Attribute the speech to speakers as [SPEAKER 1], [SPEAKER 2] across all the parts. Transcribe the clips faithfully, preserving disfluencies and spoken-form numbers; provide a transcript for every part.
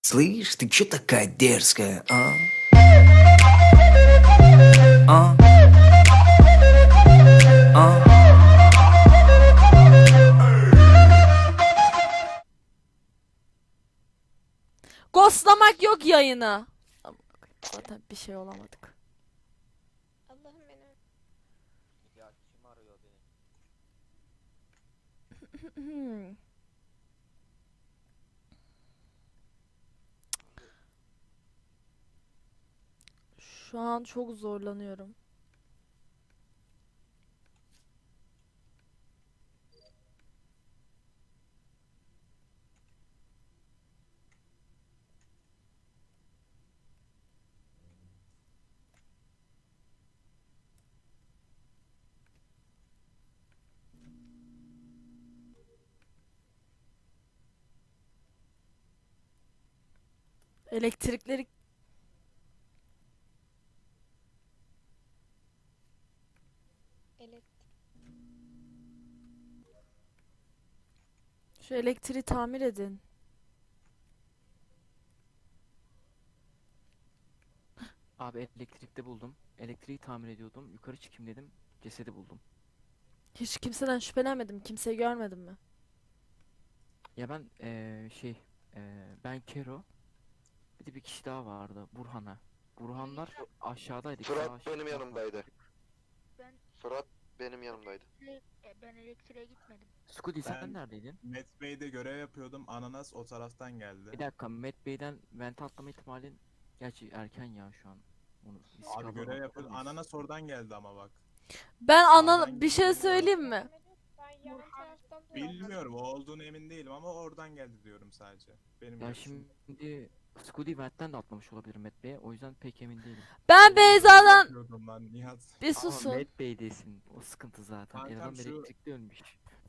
[SPEAKER 1] Слышь, ты чё такая дерзкая, а? А? А?
[SPEAKER 2] Ghostlamak yok yayını. Zaten bir şey olamadık.
[SPEAKER 3] Allah'ım beni.
[SPEAKER 4] Ya kim arıyor beni?
[SPEAKER 2] Hmm. Şu an çok zorlanıyorum. Elektrikleri
[SPEAKER 3] Elek.
[SPEAKER 2] şu elektriği tamir edin.
[SPEAKER 4] Abi elektrikte buldum. Elektriği tamir ediyordum. Yukarı çıkayım dedim. Cesedi buldum.
[SPEAKER 2] Hiç kimseden şüphelenmedim. Kimseyi görmedim mi?
[SPEAKER 4] Ya ben eee, şey eee, ben Kero. Bir de bir kişi daha vardı. Burhan'a. Burhanlar aşağıdaydı. ikisi
[SPEAKER 5] Fırat
[SPEAKER 4] aşağı
[SPEAKER 5] benim yanımdaydı.
[SPEAKER 6] Ben
[SPEAKER 5] Fırat benim yanımdaydı.
[SPEAKER 6] ele- e, ben elektriğe gitmedim.
[SPEAKER 4] Skudi sen
[SPEAKER 7] Ben-
[SPEAKER 4] neredeydin?
[SPEAKER 7] Met Bey'de görev yapıyordum. Ananas o taraftan geldi.
[SPEAKER 4] Bir dakika, Matt Bey'den vente atlama ihtimalin gerçi erken ya şu an. Onu risk
[SPEAKER 7] Abi
[SPEAKER 4] alma-
[SPEAKER 7] görev yapıyordum.
[SPEAKER 4] alamayız.
[SPEAKER 7] Ananas oradan geldi ama bak.
[SPEAKER 2] Ben ana
[SPEAKER 7] Sağdan
[SPEAKER 2] bir şey
[SPEAKER 7] gidiyor.
[SPEAKER 2] söyleyeyim mi?
[SPEAKER 3] Ben yan
[SPEAKER 6] Burhan-
[SPEAKER 3] taraftan dolandım.
[SPEAKER 7] Bilmiyorum o olduğunu emin değilim ama oradan geldi diyorum sadece. Benim
[SPEAKER 4] Ya
[SPEAKER 7] görüşüm.
[SPEAKER 4] şimdi Skudi ventten de atlamış olabilir Matt Bey'e. O yüzden pek emin değilim.
[SPEAKER 2] Ben
[SPEAKER 7] Oğlum, görev
[SPEAKER 2] Beyza'dan
[SPEAKER 7] yapıyordum lan Nihat.
[SPEAKER 2] bir
[SPEAKER 4] Ama
[SPEAKER 2] susun.
[SPEAKER 4] Matt Bey'desin. O sıkıntı zaten.
[SPEAKER 7] Kankam
[SPEAKER 4] Eleman
[SPEAKER 7] şu-
[SPEAKER 4] elektrikte ölmüş.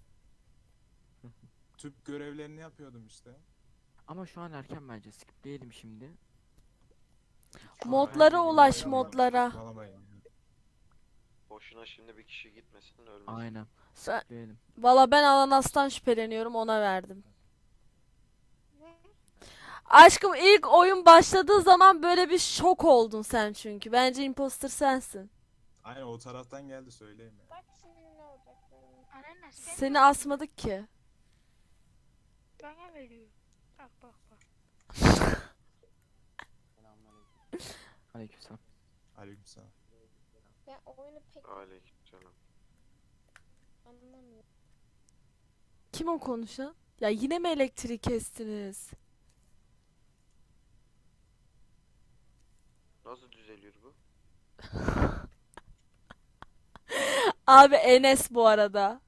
[SPEAKER 7] Tüp görevlerini yapıyordum işte.
[SPEAKER 4] Ama şu an erken bence. Skipleyelim şimdi.
[SPEAKER 2] Modlara
[SPEAKER 4] Aynen,
[SPEAKER 2] ulaş
[SPEAKER 4] aynen.
[SPEAKER 2] modlara.
[SPEAKER 7] Saçmalamayın ya.
[SPEAKER 5] Boşuna şimdi bir kişi gitmesin ölmesin.
[SPEAKER 4] Aynen.
[SPEAKER 2] Sen,
[SPEAKER 4] Skipleyelim.
[SPEAKER 2] valla ben ananastan şüpheleniyorum ona verdim. Aşkım ilk oyun başladığı zaman böyle bir şok oldun sen çünkü. Bence imposter sensin.
[SPEAKER 7] Aynen o taraftan geldi söyleyeyim ya.
[SPEAKER 3] Bak şimdi ne olacak benim.
[SPEAKER 6] Ananas sen
[SPEAKER 2] Seni asmadık ki.
[SPEAKER 6] bana veriyor. Bak bak bak.
[SPEAKER 4] Aleykümselam.
[SPEAKER 7] Aleykümselam.
[SPEAKER 3] Ben oyunu pek
[SPEAKER 5] Aleykümselam.
[SPEAKER 3] anlamıyorum.
[SPEAKER 2] Kim o konuşan? Ya yine mi elektriği kestiniz?
[SPEAKER 5] Nasıl düzeliyor bu?
[SPEAKER 2] Abi Enes bu arada.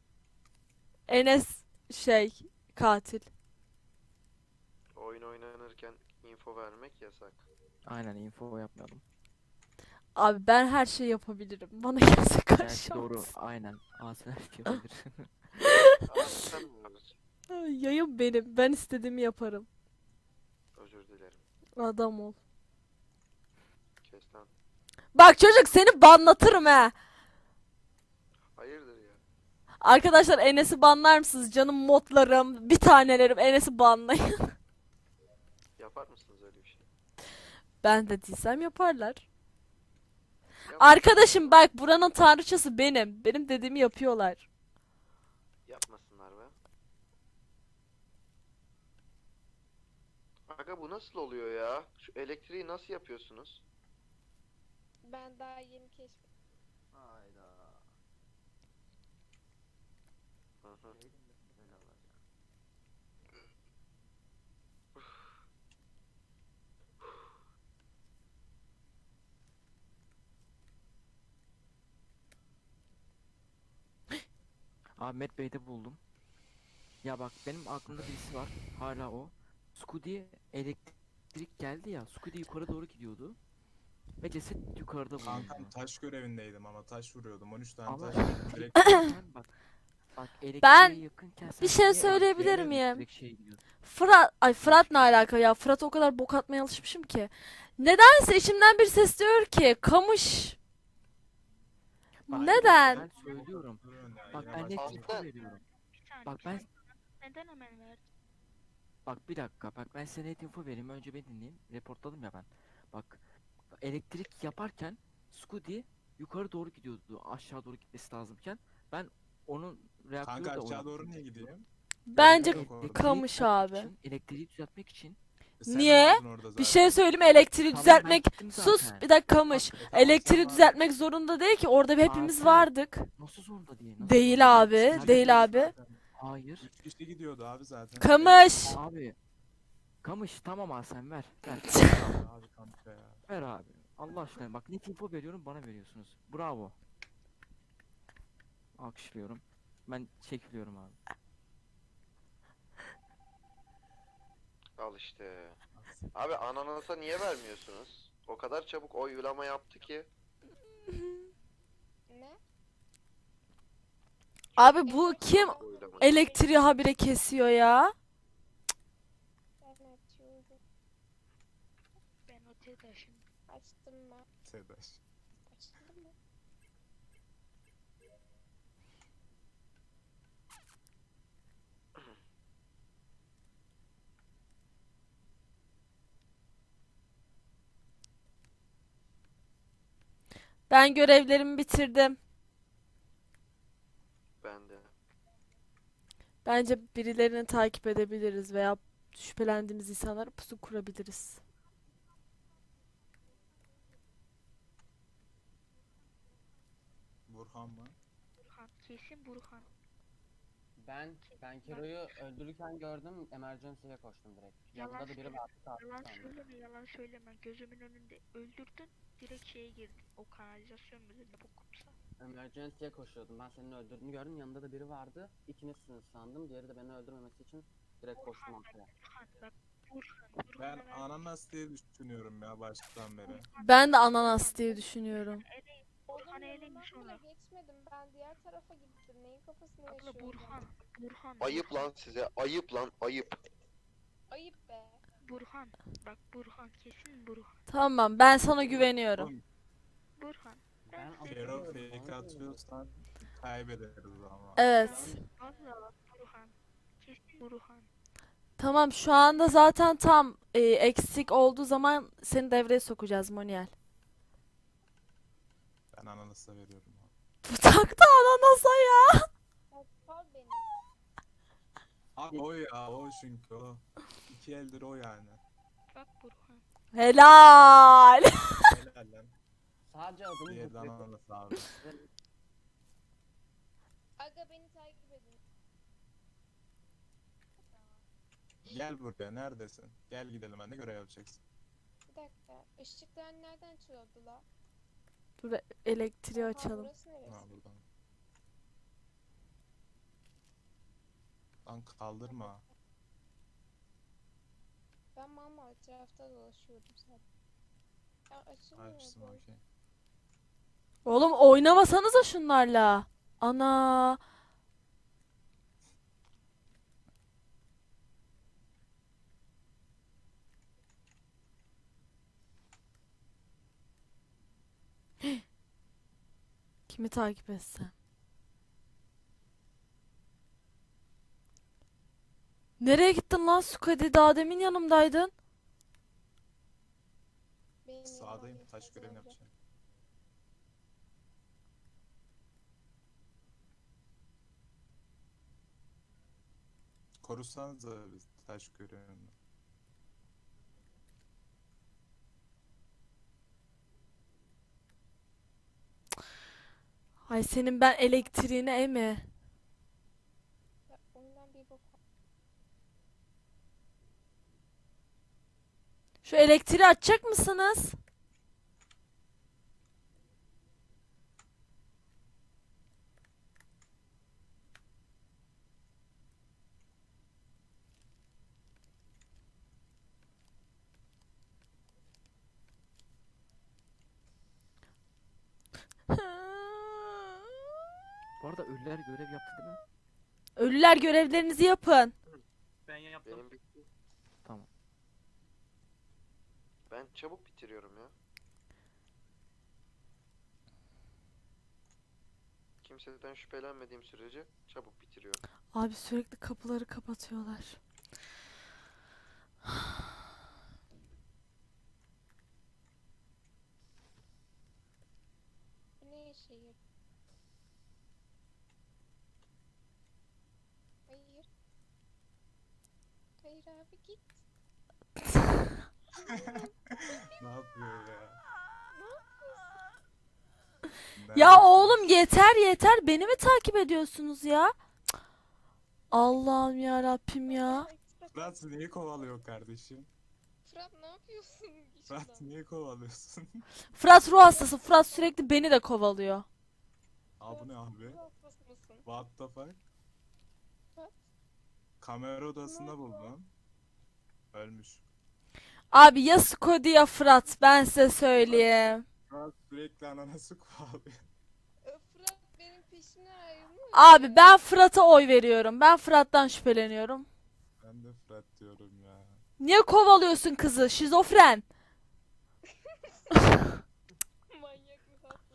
[SPEAKER 2] Enes şey katil.
[SPEAKER 5] Oyun oynanırken info vermek yasak.
[SPEAKER 4] Aynen, info yapmayalım.
[SPEAKER 2] Abi ben her şeyi yapabilirim. Bana kimse
[SPEAKER 4] Gerçi
[SPEAKER 2] karışamaz.
[SPEAKER 4] doğru. Aynen. Asel yapabilir.
[SPEAKER 5] Abi sen mi varsın?
[SPEAKER 2] Ay, yayın benim. Ben istediğimi yaparım.
[SPEAKER 5] Özür dilerim.
[SPEAKER 2] Adam ol.
[SPEAKER 5] Kes lan.
[SPEAKER 2] Bak çocuk seni banlatırım he.
[SPEAKER 5] Hayırdır ya?
[SPEAKER 2] Arkadaşlar Enes'i banlar mısınız? Canım modlarım, bir tanelerim Enes'i banlayın.
[SPEAKER 5] Yapar mısınız öyle bir şey?
[SPEAKER 2] Ben de değilsem yaparlar.
[SPEAKER 5] Yap-
[SPEAKER 2] Arkadaşım bak buranın tanrıçası benim. Benim dediğimi yapıyorlar.
[SPEAKER 5] Yapmasınlar be. Aga bu nasıl oluyor ya? Şu elektriği nasıl yapıyorsunuz?
[SPEAKER 3] Ben daha yeni keşfettim.
[SPEAKER 5] Hayda. Hı hı.
[SPEAKER 4] Abi Matt Bey'de buldum. Ya bak benim aklımda birisi var. Hala o. Skudi elektrik geldi ya. Skudi yukarı doğru gidiyordu. Ve ceset yukarıda bulundu.
[SPEAKER 7] Kankam taş görevindeydim ama taş vuruyordum. on üç tane
[SPEAKER 4] Ama
[SPEAKER 7] taş.
[SPEAKER 4] elektriğe
[SPEAKER 7] Direkt
[SPEAKER 4] yakınken bak. Bak elektriğe
[SPEAKER 2] Ben
[SPEAKER 4] yakınken sen
[SPEAKER 2] bir şey
[SPEAKER 4] niye
[SPEAKER 2] söyleyebilir
[SPEAKER 4] elektriğe
[SPEAKER 2] miyim?
[SPEAKER 4] direkt şey gidiyorsun?
[SPEAKER 2] Fırat, ay Fırat ne alaka ya? Fırat o kadar bok atmaya alışmışım ki. Nedense içimden bir ses diyor ki kamış.
[SPEAKER 4] Bak,
[SPEAKER 2] Neden?
[SPEAKER 4] Ben söylüyorum.
[SPEAKER 7] durun ya.
[SPEAKER 4] Bak
[SPEAKER 7] yine
[SPEAKER 4] ben net
[SPEAKER 7] başladık.
[SPEAKER 4] info veriyorum.
[SPEAKER 6] Bir saniye.
[SPEAKER 4] Bak
[SPEAKER 6] bir
[SPEAKER 4] ben
[SPEAKER 6] saniye. Neden hemen verdin?
[SPEAKER 4] Bak bir dakika, bak ben size net info vereyim, önce beni dinleyin. Reportladım ya ben. Bak, elektrik yaparken Scudi yukarı doğru gidiyordu, aşağı doğru gitmesi lazımken ben onun reaktörü
[SPEAKER 7] Kanka
[SPEAKER 4] de
[SPEAKER 7] aşağı
[SPEAKER 4] oynattım.
[SPEAKER 7] doğru niye gideyim?
[SPEAKER 2] Bence
[SPEAKER 7] Yok orada.
[SPEAKER 2] Kamış
[SPEAKER 4] düzeltmek
[SPEAKER 2] abi.
[SPEAKER 4] için, elektriği düzeltmek için
[SPEAKER 7] E, sen
[SPEAKER 2] Niye?
[SPEAKER 7] vardın orada
[SPEAKER 2] Bir
[SPEAKER 7] zaten.
[SPEAKER 2] şey söyleyeyim mi? Elektriği
[SPEAKER 4] Tamam, ben
[SPEAKER 2] düzeltmek.
[SPEAKER 4] gittim
[SPEAKER 2] Sus
[SPEAKER 4] zaten.
[SPEAKER 2] bir dakika Kamış.
[SPEAKER 7] Tamam, tamam, sen
[SPEAKER 2] Elektriği
[SPEAKER 7] vardın.
[SPEAKER 2] düzeltmek zorunda değil ki. Orada hepimiz
[SPEAKER 4] Zaten.
[SPEAKER 2] vardık.
[SPEAKER 4] Nasıl zorunda değil? Nasıl
[SPEAKER 2] Değil
[SPEAKER 4] zorunda
[SPEAKER 2] abi,
[SPEAKER 4] Sadece
[SPEAKER 2] değil
[SPEAKER 4] ben-
[SPEAKER 2] abi.
[SPEAKER 7] Zaten
[SPEAKER 4] Hayır.
[SPEAKER 7] Üç kişi gidiyordu abi zaten.
[SPEAKER 2] Kamış.
[SPEAKER 4] Abi. Kamış tamam abi, sen ver. Ver.
[SPEAKER 7] Abi kanka ya.
[SPEAKER 4] Ver abi. Allah aşkına bak, net info veriyorum, bana veriyorsunuz. Bravo. Alkışlıyorum. Ben çekiliyorum abi.
[SPEAKER 5] Al işte. Abi ananasa niye vermiyorsunuz? O kadar çabuk oylama yaptı ki.
[SPEAKER 3] Ne?
[SPEAKER 2] Abi bu kim
[SPEAKER 5] Oylama.
[SPEAKER 2] elektriği habire kesiyor ya?
[SPEAKER 3] Ben açıyorum.
[SPEAKER 6] Ben o TEDAŞ'ın
[SPEAKER 3] Açtım ben.
[SPEAKER 7] Sedaş.
[SPEAKER 3] Açtım mı?
[SPEAKER 2] Ben görevlerimi bitirdim.
[SPEAKER 5] Ben de.
[SPEAKER 2] Bence birilerini takip edebiliriz veya şüphelendiğimiz insanlara pusu kurabiliriz.
[SPEAKER 7] Burhan mı?
[SPEAKER 6] Burhan. Kesin Burhan.
[SPEAKER 8] Ben ben Kero'yu öldürürken gördüm, emergency'ye koştum direkt.
[SPEAKER 6] Yalan
[SPEAKER 8] Yanında da biri
[SPEAKER 6] söyleme.
[SPEAKER 8] vardı, kalktı
[SPEAKER 6] Yalan
[SPEAKER 8] sandım.
[SPEAKER 6] söyleme, yalan söyleme. Gözümün önünde öldürdün. Direkt şeye girdin. O kanalizasyon müdürü bu kumsa.
[SPEAKER 8] Emergency'ye koşuyordum. Ben senin öldürdüğünü gördüm. Yanında da biri vardı. İkinizsiniz sandım. Diğeri de beni öldürmemesi için direkt koştum ortaya.
[SPEAKER 6] Burhan bak. Burhan.
[SPEAKER 7] Ben
[SPEAKER 6] Burhan'a ver-
[SPEAKER 7] ananas diye düşünüyorum ya baştan beri.
[SPEAKER 2] Ben de ananas diye düşünüyorum.
[SPEAKER 6] Eleyin.
[SPEAKER 3] Oğlum
[SPEAKER 6] Burhan'ı eleyin
[SPEAKER 3] yanından bile
[SPEAKER 6] sonra.
[SPEAKER 3] geçmedim. Ben diğer tarafa gittim. Neyin kafasını
[SPEAKER 6] Abla
[SPEAKER 3] yaşıyorum
[SPEAKER 6] Burhan. Burhan.
[SPEAKER 5] Ayıp
[SPEAKER 6] Burhan.
[SPEAKER 5] lan size. Ayıp lan ayıp.
[SPEAKER 3] Ayıp be.
[SPEAKER 6] Burhan. Bak Burhan. Kesin Burhan.
[SPEAKER 2] Tamam, ben sana güveniyorum.
[SPEAKER 7] Oğlum
[SPEAKER 6] Burhan.
[SPEAKER 8] Ben
[SPEAKER 6] Ben
[SPEAKER 7] Kero
[SPEAKER 8] hatırlıyorum,
[SPEAKER 7] fake
[SPEAKER 8] onu
[SPEAKER 7] atıyorsan kaybederiz ama.
[SPEAKER 2] Evet.
[SPEAKER 6] Valla bak Burhan. Kesin Burhan.
[SPEAKER 2] Tamam, şu anda zaten tam e, eksik olduğu zaman seni devreye sokacağız Moniel.
[SPEAKER 7] Ben ananasa veriyorum abi.
[SPEAKER 2] Bu taktı ananasa ya.
[SPEAKER 3] Ya sal beni.
[SPEAKER 7] Abi o ya o çünkü o. İki eldir o yani.
[SPEAKER 6] Bak Burhan.
[SPEAKER 2] Helal.
[SPEAKER 7] Helal lan.
[SPEAKER 8] sadece adını
[SPEAKER 7] Diğeri de
[SPEAKER 8] zıplıyor.
[SPEAKER 7] ananas abi.
[SPEAKER 3] Aga beni takip edin.
[SPEAKER 7] Gel buraya neredesin? Gel gidelim ben de görev yapacaksın.
[SPEAKER 3] Bir dakika. Işıklar nereden çalıyordu la?
[SPEAKER 2] Dur elektriği
[SPEAKER 3] Aa,
[SPEAKER 2] açalım.
[SPEAKER 3] burası neresi?
[SPEAKER 7] Ha buradan. Lan kaldırma.
[SPEAKER 3] Ben mama etrafta dolaşıyordum zaten. Ya açılmıyor
[SPEAKER 7] Açtım
[SPEAKER 3] bu.
[SPEAKER 7] okey.
[SPEAKER 2] Oğlum oynamasanıza şunlarla. Ana. Kimi takip etsem? Nereye gittin lan Sukadi? Daha demin yanımdaydın.
[SPEAKER 3] Benim
[SPEAKER 7] Sağdayım
[SPEAKER 3] yanımdan
[SPEAKER 7] taş
[SPEAKER 3] geçmez
[SPEAKER 7] görevini
[SPEAKER 3] önce.
[SPEAKER 7] yapacağım. Korusanız da biz taş görevini.
[SPEAKER 2] Ay senin ben elektriğine emi.
[SPEAKER 3] Ya ondan bir bok.
[SPEAKER 2] Şu elektriği açacak mısınız?
[SPEAKER 4] Bu arada ölüler görev yaptı değil mi?
[SPEAKER 2] Ölüler görevlerinizi yapın.
[SPEAKER 9] Ben yaptım.
[SPEAKER 5] Benim bitti.
[SPEAKER 4] Tamam.
[SPEAKER 5] Ben çabuk bitiriyorum ya. Kimseden şüphelenmediğim sürece çabuk bitiriyorum.
[SPEAKER 2] Abi sürekli kapıları kapatıyorlar.
[SPEAKER 3] şeye girdim. Hayır. Hayır abi git.
[SPEAKER 7] Ne yapıyor ya?
[SPEAKER 2] Ya
[SPEAKER 7] Nerede?
[SPEAKER 2] oğlum yeter yeter. Beni mi takip ediyorsunuz ya? Cık. Allah'ım ya Rabbim ya.
[SPEAKER 7] Fırat niye kovalıyor kardeşim?
[SPEAKER 3] Fırat ne yapıyorsun? Git
[SPEAKER 7] Fırat
[SPEAKER 3] şuradan.
[SPEAKER 7] niye kovalıyorsun?
[SPEAKER 2] Fırat ruh hastası. Fırat sürekli beni de kovalıyor.
[SPEAKER 7] Aa bu ne abi?
[SPEAKER 3] Ruh hastası mısın?
[SPEAKER 7] What the fuck?
[SPEAKER 3] What?
[SPEAKER 7] Kamera odasında buldum. Ölmüş.
[SPEAKER 2] Abi ya Scody ya Fırat. Ben size söyleyeyim.
[SPEAKER 7] Fırat sürekli ananası kovalıyor.
[SPEAKER 3] Ö, Fırat benim peşine ayrılmış.
[SPEAKER 2] Abi ben Fırat'a oy veriyorum. Ben Fırat'tan şüpheleniyorum.
[SPEAKER 7] Ben de Fırat diyorum ya.
[SPEAKER 2] Niye kovalıyorsun kızı? Şizofren.
[SPEAKER 3] Manyak mı hasta?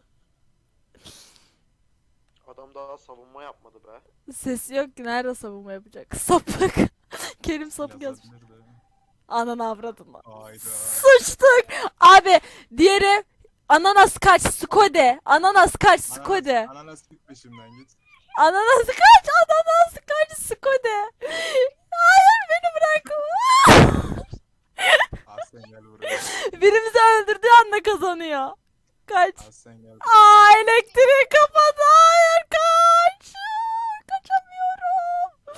[SPEAKER 5] Adam daha savunma yapmadı be.
[SPEAKER 2] Sesi yok ki. Nerede savunma yapacak? Sapık. Kerim sapık yazmış.
[SPEAKER 7] Yazabilir de.
[SPEAKER 2] Ananı avradını.
[SPEAKER 7] Hayda.
[SPEAKER 2] Sıçtık. Abi diğeri ananas kaç Skode. Ananas kaç Skode.
[SPEAKER 7] Ananas, ananas git peşimden git.
[SPEAKER 2] Ananas kaç. Ananas kaç Skode. Hayır beni bırakma.
[SPEAKER 7] Aslen gel buraya.
[SPEAKER 2] Birimizi öldürdüğü anda kazanıyor. Kaç.
[SPEAKER 7] Aslen gel buraya.
[SPEAKER 2] Aa elektriği kapadı. Hayır kaç. Kaçamıyorum.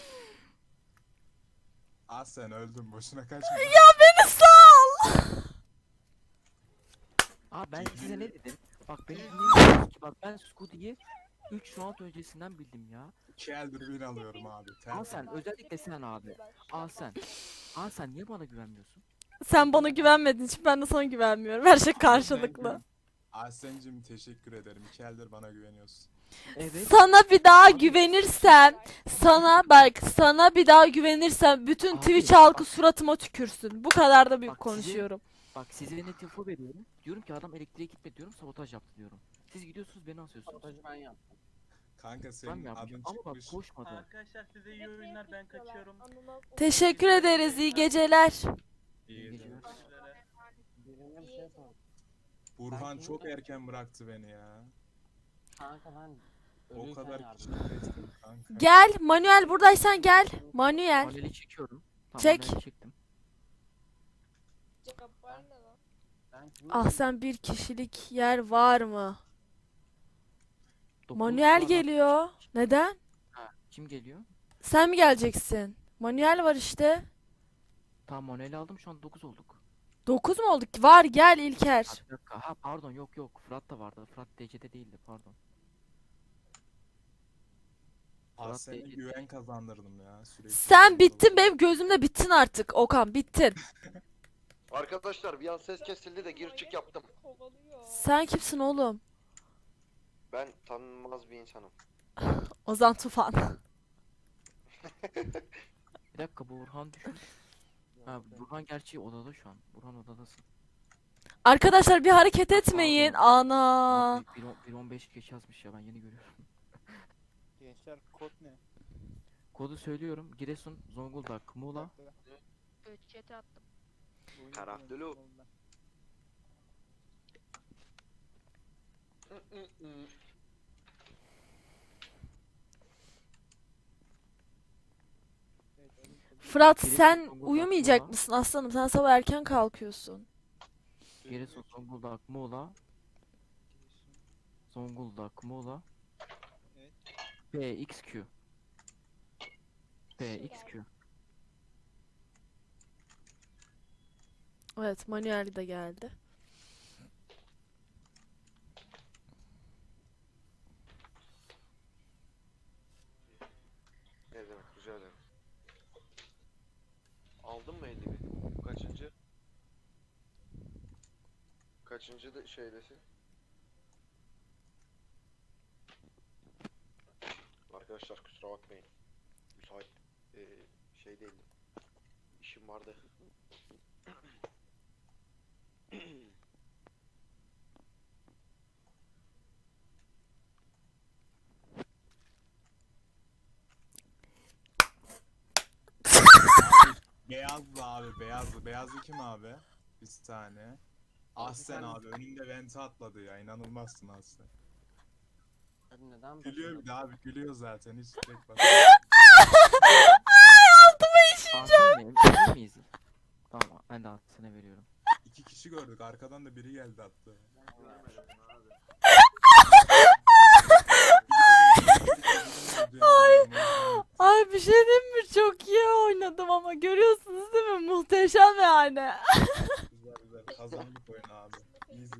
[SPEAKER 7] Aslen öldüm boşuna kaçma.
[SPEAKER 2] Ya beni sal.
[SPEAKER 4] Aa ben size ne dedim? Bak beni dinlemiyorsunuz ki. Bak ben Scooty'yi üç round öncesinden bildim ya.
[SPEAKER 7] İki eldir bin alıyorum abi.
[SPEAKER 4] Al
[SPEAKER 7] Tertemiz.
[SPEAKER 4] sen özellikle sen abi. Al sen. Al sen niye bana güvenmiyorsun?
[SPEAKER 2] Sen bana güvenmediğin için ben de sana güvenmiyorum. Her şey karşılıklı.
[SPEAKER 7] Aslen'cim teşekkür ederim. İki eldir bana güveniyorsun.
[SPEAKER 4] Evet.
[SPEAKER 2] Sana bir daha güvenirsem, sana bak, sana bir daha güvenirsem bütün
[SPEAKER 4] Abi,
[SPEAKER 2] Twitch halkı suratıma tükürsün. Bu kadar da büyük
[SPEAKER 4] Bak size-
[SPEAKER 2] konuşuyorum.
[SPEAKER 4] Bak size net info veriyorum. Diyorum ki adam elektriğe gitme diyorum, sabotaj yaptı diyorum. Siz gidiyorsunuz beni asıyorsunuz.
[SPEAKER 8] Sabotajı ben yaptım.
[SPEAKER 7] Kanka
[SPEAKER 4] Ben
[SPEAKER 7] senin
[SPEAKER 4] mi
[SPEAKER 7] adın
[SPEAKER 4] yapmışım? Ama bak
[SPEAKER 7] çıkmış.
[SPEAKER 4] koşmadı.
[SPEAKER 9] Arkadaşlar size iyi oyunlar, ben kaçıyorum.
[SPEAKER 2] Teşekkür ederiz. İyi geceler.
[SPEAKER 7] İyi
[SPEAKER 4] İyi
[SPEAKER 7] geceler.
[SPEAKER 4] geceler.
[SPEAKER 8] Birine bir şey sor.
[SPEAKER 7] Burhan
[SPEAKER 8] Ben
[SPEAKER 7] çok
[SPEAKER 8] kimim?
[SPEAKER 7] erken bıraktı beni ya.
[SPEAKER 8] Kanka ben
[SPEAKER 7] O
[SPEAKER 8] ölüyken
[SPEAKER 7] kadar
[SPEAKER 8] yardım
[SPEAKER 7] kişi
[SPEAKER 8] ettim.
[SPEAKER 7] kestim kanka.
[SPEAKER 2] Gel, Manuel buradaysan gel. Manuel.
[SPEAKER 4] Paneli çekiyorum. Tamam,
[SPEAKER 2] Çek.
[SPEAKER 4] paneli çektim.
[SPEAKER 3] Cabbar ne lan?
[SPEAKER 8] Ben kimim?
[SPEAKER 2] Ah sen bir kişilik yer var mı?
[SPEAKER 4] Dokuz
[SPEAKER 2] Manuel
[SPEAKER 4] sıradan-
[SPEAKER 2] geliyor. Neden?
[SPEAKER 4] Ha, kim geliyor?
[SPEAKER 2] Sen mi geleceksin? Manuel var işte.
[SPEAKER 4] Tamam Manuel'i aldım, şu an dokuz olduk.
[SPEAKER 2] Dokuz mu olduk? Var gel
[SPEAKER 4] Ha,
[SPEAKER 2] İlker.
[SPEAKER 4] bir dakika. Ha pardon, yok yok. Fırat da vardı. Fırat D C'de değildi, pardon.
[SPEAKER 7] Aslen'e
[SPEAKER 4] Fırat
[SPEAKER 7] güven kazandırdım ya sürekli.
[SPEAKER 2] Sen bittin benim gözümde bittin artık Okan bittin.
[SPEAKER 5] Arkadaşlar bir an ses kesildi de gir çık yaptım.
[SPEAKER 3] Kovalıyor.
[SPEAKER 2] Sen kimsin oğlum?
[SPEAKER 5] Ben tanınmaz bir insanım.
[SPEAKER 2] Ozan Tufan.
[SPEAKER 4] Bir dakika, Burhan düşün. Ha Burhan gerçi odada şu an. Burhan odadasın.
[SPEAKER 2] Arkadaşlar bir hareket etmeyin.
[SPEAKER 4] Pardon.
[SPEAKER 2] Ana.
[SPEAKER 4] Aa, bir- bir on- bir on beş geç yazmış ya, ben yeni görüyorum.
[SPEAKER 9] Gençler kod ne?
[SPEAKER 4] Kodu söylüyorum. Giresun, Zonguldak, Muğla.
[SPEAKER 6] Evet chat'e attım.
[SPEAKER 5] Karaftulu.
[SPEAKER 2] Fırat
[SPEAKER 4] Giresun,
[SPEAKER 2] sen
[SPEAKER 4] Zonguldak,
[SPEAKER 2] uyumayacak
[SPEAKER 4] Muğla.
[SPEAKER 2] mısın aslanım? Sen sabah erken kalkıyorsun.
[SPEAKER 4] Giresun, Zonguldak, Muğla. Zonguldak, Muğla.
[SPEAKER 9] Evet.
[SPEAKER 4] P X Q. P X Q.
[SPEAKER 2] Evet Manuel de geldi.
[SPEAKER 5] Ne demek, rica ederim. Aldın mı elli bin? Kaçıncı? Kaçıncı da şeydesin? Arkadaşlar kusura bakmayın. Müsait eee, şey değildim. İşim vardı.
[SPEAKER 7] Beyazlı abi beyazlı. Beyazlı kim abi? Bir tane. Aslen abi önümde vente atladı ya inanılmazsın Aslen.
[SPEAKER 8] Abi neden
[SPEAKER 7] Gülüyor bir
[SPEAKER 8] başladın?
[SPEAKER 7] de abi gülüyor zaten hiç tek bak.
[SPEAKER 4] Altın mıyım? Emin miyiz? Tamam ben de altına veriyorum.
[SPEAKER 7] İki kişi gördük arkadan da biri geldi hatta.
[SPEAKER 2] Ay. Ay bir şey diyeyim mi? Çok iyi oynadım ama görüyorsunuz değil mi? Muhteşem yani.
[SPEAKER 7] Güzel güzel kazandık oyunu abi. Easy.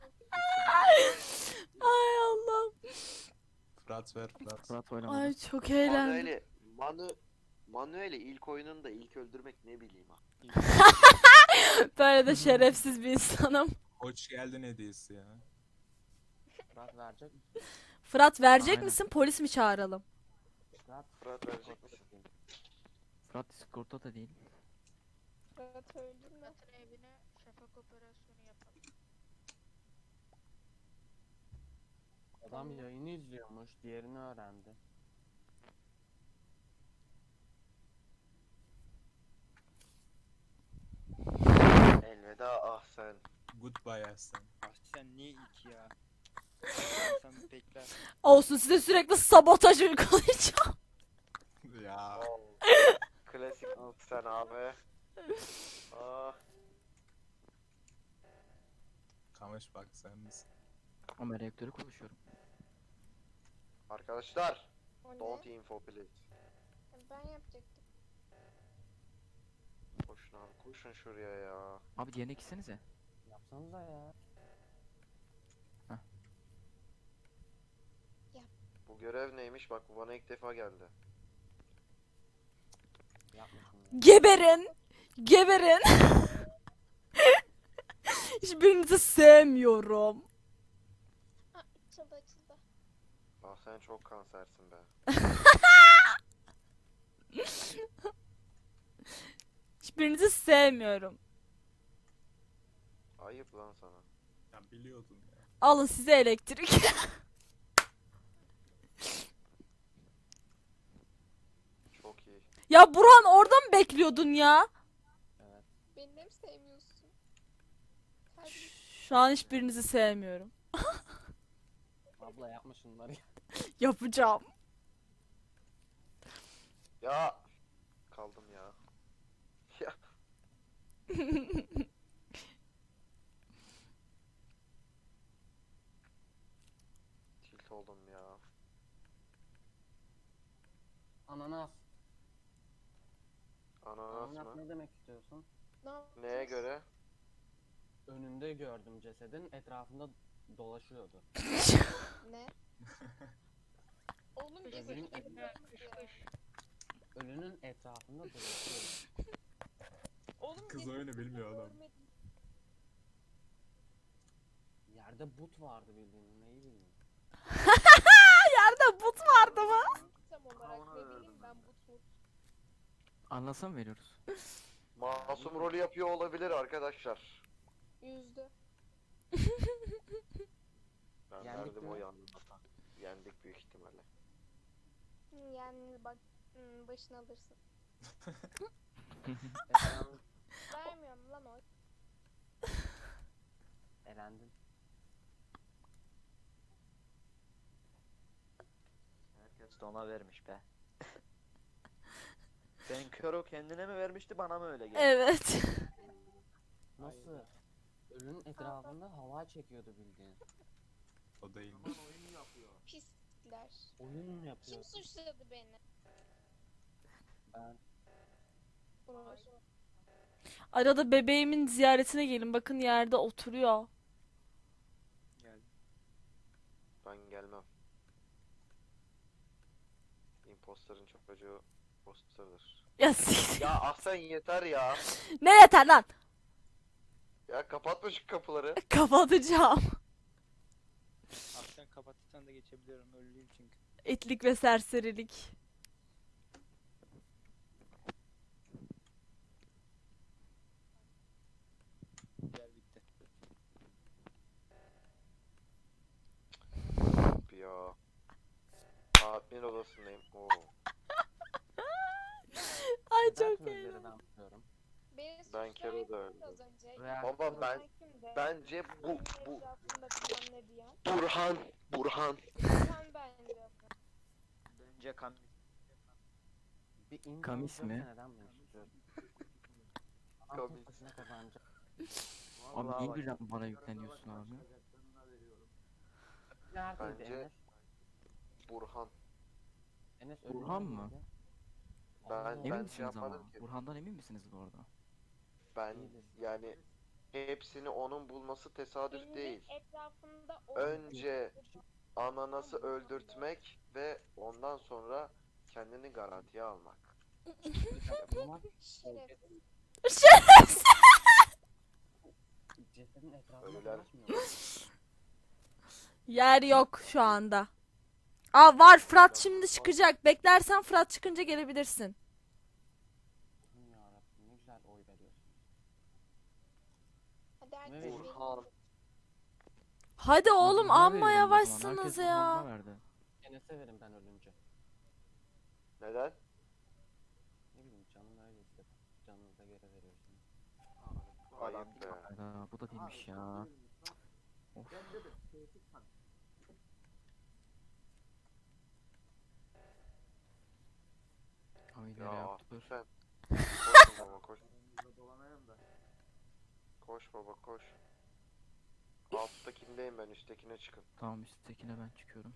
[SPEAKER 2] Ay Allah.
[SPEAKER 7] Fırat ver Fırat.
[SPEAKER 4] Fırat oynamadı.
[SPEAKER 2] Ay çok eğlendim.
[SPEAKER 5] Manuel'i Manu Manuel'i ilk oyununda ilk öldürmek ne bileyim ha.
[SPEAKER 2] Böyle de şerefsiz bir insanım.
[SPEAKER 7] Hoş geldin hediyesi ya.
[SPEAKER 8] Fırat verecek misin?
[SPEAKER 2] Fırat verecek
[SPEAKER 4] Aynen.
[SPEAKER 2] misin? Polis mi çağıralım?
[SPEAKER 8] Fırat.
[SPEAKER 5] Fırat verecek misin?
[SPEAKER 4] Fırat Discord'da da değil.
[SPEAKER 3] Fırat öldün mü?
[SPEAKER 6] Fırat'ın evine şafak operasyonu yapalım.
[SPEAKER 8] Adam yayını izliyormuş, diğerini öğrendi.
[SPEAKER 5] Elveda ah sen.
[SPEAKER 7] Goodbye Aslan.
[SPEAKER 9] Ah sen niye ilk ya? Sen bekler.
[SPEAKER 2] Olsun size sürekli sabotaj uygulayacağım.
[SPEAKER 7] Ya.
[SPEAKER 5] Klasik ah sen abi. Ah.
[SPEAKER 7] Kamış bak sen misin?
[SPEAKER 4] Ama reaktörü konuşuyorum.
[SPEAKER 5] Arkadaşlar.
[SPEAKER 3] O
[SPEAKER 5] Don't
[SPEAKER 3] ne?
[SPEAKER 5] info please.
[SPEAKER 3] Ben yapacaktım.
[SPEAKER 5] Koşun abi koşun şuraya ya.
[SPEAKER 4] Abi diğerine gitsenize.
[SPEAKER 8] Yapsanıza ya.
[SPEAKER 5] Bu görev neymiş bak bu bana ilk defa geldi.
[SPEAKER 8] Yapmasın ya.
[SPEAKER 2] Geberin. Geberin. Hiçbirinizi sevmiyorum.
[SPEAKER 3] Ha açıldı açıldı.
[SPEAKER 5] Ah sen çok kansersin be.
[SPEAKER 2] Hiçbirinizi sevmiyorum.
[SPEAKER 5] Ayıp lan sana.
[SPEAKER 7] Sen biliyordun ya.
[SPEAKER 2] Alın size elektrik.
[SPEAKER 5] Çok iyi.
[SPEAKER 2] Ya Burhan orada mı bekliyordun ya?
[SPEAKER 8] Evet.
[SPEAKER 3] Beni de mi sevmiyorsun? Terbiyesiz.
[SPEAKER 2] Şu an hiçbirinizi sevmiyorum.
[SPEAKER 8] Abla yapma şunları ya.
[SPEAKER 2] Yapacağım.
[SPEAKER 5] Ya. Kaldım ya. Ya. Tilt oldum ya.
[SPEAKER 8] Ananas.
[SPEAKER 5] Ananas
[SPEAKER 8] Ananas
[SPEAKER 5] mı?
[SPEAKER 8] ne demek istiyorsun?
[SPEAKER 3] Ne yapacağız?
[SPEAKER 5] Neye göre?
[SPEAKER 8] Önünde gördüm cesedin, etrafında dolaşıyordu.
[SPEAKER 3] Ne? Oğlum
[SPEAKER 8] Ölünün,
[SPEAKER 3] gezegen
[SPEAKER 8] et-
[SPEAKER 3] ya.
[SPEAKER 8] ölünün etrafında dolaşıyordu.
[SPEAKER 3] Oğlum
[SPEAKER 7] Kız
[SPEAKER 3] gezegen
[SPEAKER 7] oyunu bilmiyor adam.
[SPEAKER 3] görmedim.
[SPEAKER 8] Yerde but vardı bildiğin, neyi bileyim.
[SPEAKER 2] Yerde but vardı mı?
[SPEAKER 3] Tam olarak ne bileyim ben bu tut.
[SPEAKER 4] Anlasa mı veriyoruz?
[SPEAKER 5] Masum rolü yapıyor olabilir arkadaşlar.
[SPEAKER 3] Yüzdü.
[SPEAKER 5] Ben
[SPEAKER 8] Yendik
[SPEAKER 5] verdim
[SPEAKER 8] mi?
[SPEAKER 5] o yanına. Yendik büyük ihtimalle.
[SPEAKER 3] Hı, yani bak hı, başını alırsın.
[SPEAKER 8] Efendim,
[SPEAKER 3] Vermiyorum lan o.
[SPEAKER 8] elendin.
[SPEAKER 10] Herkes de ona vermiş be. Ben kör o kendine mi vermişti bana mı öyle geldi?
[SPEAKER 2] Evet.
[SPEAKER 8] Nasıl? Ölünün etrafında hava çekiyordu bildiğin.
[SPEAKER 7] O değil.
[SPEAKER 3] Pisler.
[SPEAKER 8] Oyun mu
[SPEAKER 3] Kim
[SPEAKER 8] yapıyor?
[SPEAKER 3] suçladı beni?
[SPEAKER 8] Ben.
[SPEAKER 3] Uğur.
[SPEAKER 2] Arada bebeğimin ziyaretine gelin. Bakın yerde oturuyor.
[SPEAKER 9] Geldi.
[SPEAKER 5] Ben gelmem. Imposter'ın çocuğu imposter'dır.
[SPEAKER 2] Ya siktir.
[SPEAKER 5] Ya Ahsen yeter ya.
[SPEAKER 2] Ne yeter lan?
[SPEAKER 5] Ya kapatma şu kapıları.
[SPEAKER 2] Kapatacağım.
[SPEAKER 9] Ah sen kapatırsan da geçebiliyorum. Ölüyüm çünkü.
[SPEAKER 2] İtlik ve serserilik.
[SPEAKER 9] Diğer bitti.
[SPEAKER 5] Ya. Admin odasındayım. Oo.
[SPEAKER 2] Ay
[SPEAKER 8] Neden
[SPEAKER 2] çok
[SPEAKER 8] sözleri
[SPEAKER 2] eğlenceli.
[SPEAKER 8] ben tutuyorum?
[SPEAKER 3] Beni
[SPEAKER 5] Ben Kero da öldüm.
[SPEAKER 3] Az önce.
[SPEAKER 8] Reaktör-
[SPEAKER 5] Baba ben
[SPEAKER 3] Kimdi?
[SPEAKER 5] bence bu bu
[SPEAKER 3] Etrafında bilmem ne diyen.
[SPEAKER 5] Burhan Burhan.
[SPEAKER 3] Sen bence.
[SPEAKER 10] Bence kamis.
[SPEAKER 8] Bir info
[SPEAKER 4] Kamis
[SPEAKER 8] yoksa
[SPEAKER 4] mi?
[SPEAKER 8] Neden bunu istiyorum? Adam
[SPEAKER 5] Kamis.
[SPEAKER 8] tek başına kazanacak.
[SPEAKER 4] Abi
[SPEAKER 10] Vallahi
[SPEAKER 4] niye
[SPEAKER 10] bak,
[SPEAKER 4] birden bana yükleniyorsun abi?
[SPEAKER 8] Neredeydi
[SPEAKER 5] Bence-
[SPEAKER 8] Enes?
[SPEAKER 5] Burhan.
[SPEAKER 8] Enes
[SPEAKER 4] Burhan
[SPEAKER 8] ölümcül
[SPEAKER 4] mı?
[SPEAKER 8] müydü?
[SPEAKER 5] Ben-
[SPEAKER 8] Allah
[SPEAKER 5] ben
[SPEAKER 4] Emin
[SPEAKER 5] şey
[SPEAKER 4] misiniz ama?
[SPEAKER 5] yapmadım ki.
[SPEAKER 4] Burhan'dan emin misiniz bu arada?
[SPEAKER 5] Ben yani hepsini onun bulması tesadüf
[SPEAKER 3] Denizin
[SPEAKER 5] değil.
[SPEAKER 3] etrafında
[SPEAKER 5] Önce ananası öldürtmek ve ondan sonra kendini garantiye almak.
[SPEAKER 8] Bunlar
[SPEAKER 3] şerefsiz.
[SPEAKER 8] cesedin etrafında
[SPEAKER 5] Ölüler-
[SPEAKER 8] dolaşmıyor mu?
[SPEAKER 2] Yer yok şu anda. Aa var, Fırat şimdi çıkacak. Beklersen Fırat çıkınca gelebilirsin.
[SPEAKER 8] Aman yarabbim, ne güzel oy veriyorsun.
[SPEAKER 3] Hadi herkes
[SPEAKER 8] Evet.
[SPEAKER 3] benim.
[SPEAKER 5] Burhan.
[SPEAKER 2] Hadi oğlum,
[SPEAKER 4] Burhan'a
[SPEAKER 2] amma
[SPEAKER 4] verelim o zaman.
[SPEAKER 2] yavaşsınız
[SPEAKER 4] Herkes
[SPEAKER 2] ya.
[SPEAKER 4] Burhan'a verdi.
[SPEAKER 8] Enes'e verin ben ölünce.
[SPEAKER 5] Neden?
[SPEAKER 8] Ne bileyim canım öyle istedi. Canınıza göre veriyorsunuz.
[SPEAKER 5] Ayıp be.
[SPEAKER 4] Hayda, bu da değilmiş ya. Of. Ay
[SPEAKER 5] Ya
[SPEAKER 4] nereye yaptı?
[SPEAKER 5] sen. Koş baba koş. Koş baba koş. Alttakindeyim ben, üsttekine çıkın.
[SPEAKER 4] Tamam, üsttekine ben çıkıyorum.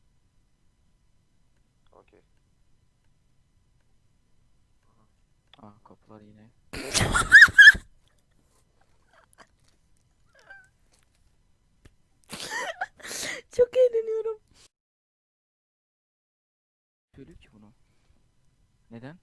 [SPEAKER 5] Okey.
[SPEAKER 4] Aa, kapılar yine.
[SPEAKER 2] Çok eğleniyorum.
[SPEAKER 4] Söylüyor ki bunu. Neden?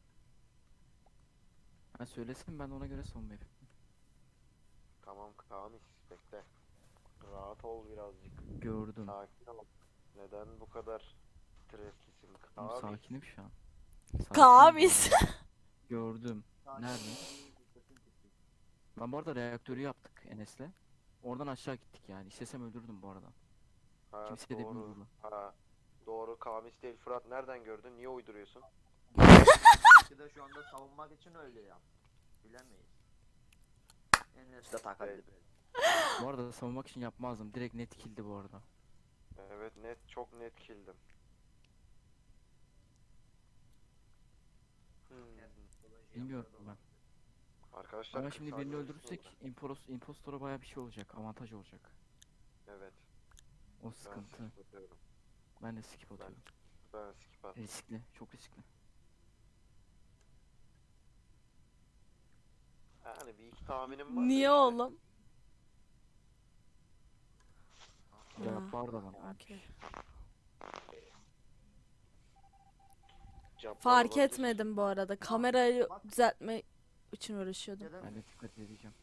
[SPEAKER 4] Ha, söylesin, ben de ona göre son vereyim.
[SPEAKER 5] Tamam Kamis, bekle. Rahat ol birazcık.
[SPEAKER 4] Gördüm.
[SPEAKER 5] Sakin ol. Neden bu kadar streslisin
[SPEAKER 4] Oğlum,
[SPEAKER 5] Kamis?
[SPEAKER 4] sakinim şu an. Sakinim
[SPEAKER 2] Kamis.
[SPEAKER 4] bu arada. Gördüm. Nerede? Ben bu arada reaktörü yaptık Enes'le. Oradan aşağı gittik yani. İstesem öldürdüm bu arada.
[SPEAKER 5] Ha,
[SPEAKER 4] Kimse de
[SPEAKER 5] doğru.
[SPEAKER 4] bilmiyor bunu.
[SPEAKER 5] Ha, doğru Kamis değil. Fırat nereden gördün? Niye uyduruyorsun?
[SPEAKER 10] Belki de şu anda savunmak için öyle ya. Bilemeyiz. Enes de takıldı.
[SPEAKER 4] Bu arada savunmak için yapmazdım. Direkt net kill'di bu arada.
[SPEAKER 5] Evet, net, çok net killdim. Hmm.
[SPEAKER 4] Bilmiyorum ben.
[SPEAKER 5] Arkadaşlar
[SPEAKER 4] Ama
[SPEAKER 5] kırk
[SPEAKER 4] şimdi
[SPEAKER 5] saniye
[SPEAKER 4] birini
[SPEAKER 5] olsun
[SPEAKER 4] öldürürsek impos impostora baya bir şey olacak. Avantaj olacak.
[SPEAKER 5] da. Evet.
[SPEAKER 4] O
[SPEAKER 5] Ben
[SPEAKER 4] sıkıntı.
[SPEAKER 5] skip atıyorum.
[SPEAKER 4] Ben de skip atıyorum.
[SPEAKER 5] Ben skip at.
[SPEAKER 4] Riskli. Çok riskli.
[SPEAKER 5] Yani bir iki tahminim var. da
[SPEAKER 2] Niye
[SPEAKER 5] işte.
[SPEAKER 2] oğlum?
[SPEAKER 4] Ya
[SPEAKER 2] Ha,
[SPEAKER 4] pardon.
[SPEAKER 2] okey.
[SPEAKER 5] Cabbar
[SPEAKER 2] Fark
[SPEAKER 5] olabilir.
[SPEAKER 2] etmedim bu arada. Kamerayı düzeltme için uğraşıyordum.
[SPEAKER 4] Ben de dikkat edeceğim.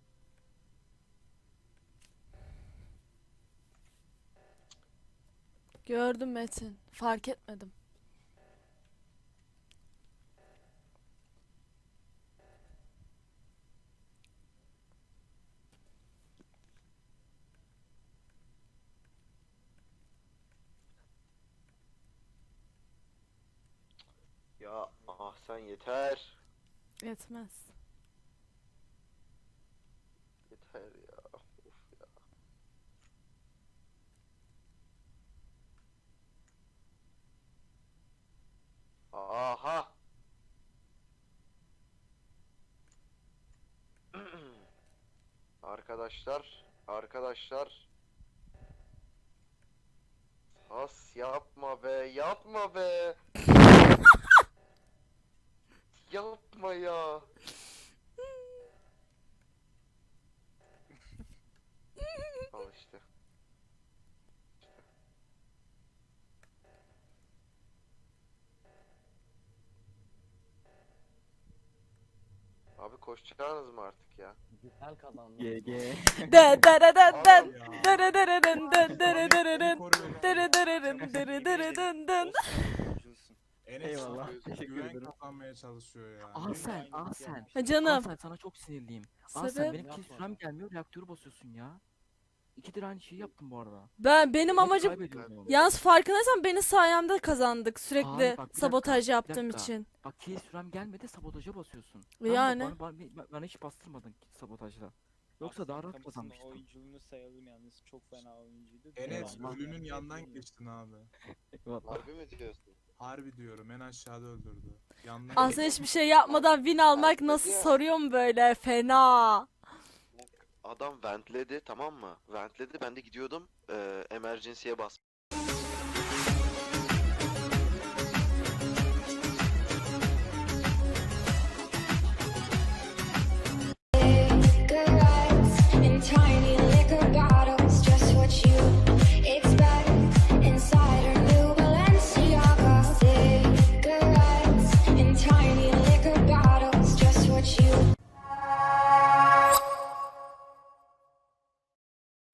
[SPEAKER 2] Gördüm Metin. Fark etmedim.
[SPEAKER 5] Ya ah sen yeter.
[SPEAKER 2] Yetmez.
[SPEAKER 5] Yeter ya. Of ya. Aha. Arkadaşlar, arkadaşlar. Has yapma be, yapma be. Yapma ya. Al işte. Abi koşacaksınız mı artık ya?
[SPEAKER 8] Güzel kazandım.
[SPEAKER 4] G G.
[SPEAKER 2] Da da da da da.
[SPEAKER 7] Abi ya.
[SPEAKER 2] Da da da da dın dın da da da da dın.
[SPEAKER 7] Koruyor.
[SPEAKER 2] Da da da da dın da da da da dın dın.
[SPEAKER 7] Enes
[SPEAKER 4] Eyvallah,
[SPEAKER 7] güven-
[SPEAKER 4] teşekkür
[SPEAKER 7] güven
[SPEAKER 4] ederim.
[SPEAKER 7] kazanmaya çalışıyor ya.
[SPEAKER 4] Aa sen, aa sen.
[SPEAKER 2] Ha
[SPEAKER 4] Aa
[SPEAKER 2] canım.
[SPEAKER 4] sen, sana çok sinirliyim. Aa sen
[SPEAKER 2] Sebep?
[SPEAKER 4] benim kill sürem gelmiyor, reaktörü basıyorsun ya. İkidir aynı şeyi yaptım bu arada.
[SPEAKER 2] Ben benim
[SPEAKER 4] Hep
[SPEAKER 2] amacım
[SPEAKER 4] kaybediyordum.
[SPEAKER 2] yalnız farkındaysan benim sayemde kazandık sürekli
[SPEAKER 4] Hayır, bak, bir dakika,
[SPEAKER 2] sabotaj
[SPEAKER 4] bir
[SPEAKER 2] yaptığım
[SPEAKER 4] dakika.
[SPEAKER 2] için.
[SPEAKER 4] Bak kill sürem gelmedi sabotaja basıyorsun. Ben
[SPEAKER 2] Yani.
[SPEAKER 4] Bana, bana, bana, bana hiç bastırmadın sabotajda. Yoksa daha rahat
[SPEAKER 9] Kamus'un
[SPEAKER 4] kazanmıştım.
[SPEAKER 9] oyunculuğunu sayalım yalnız. Çok fena oyuncuydu.
[SPEAKER 7] Enes
[SPEAKER 9] Eyvallah.
[SPEAKER 7] ölünün yanından geçtin abi.
[SPEAKER 4] Eyvallah.
[SPEAKER 5] Harbi mi diyorsun?
[SPEAKER 7] Harbi diyorum en aşağıda öldürdü. Yandan
[SPEAKER 2] Aslında hiçbir şey yapmadan win almak nasıl soruyorum böyle fena.
[SPEAKER 5] Adam ventledi tamam mı? Ventledi ben de gidiyordum. Eee emergency'ye bas.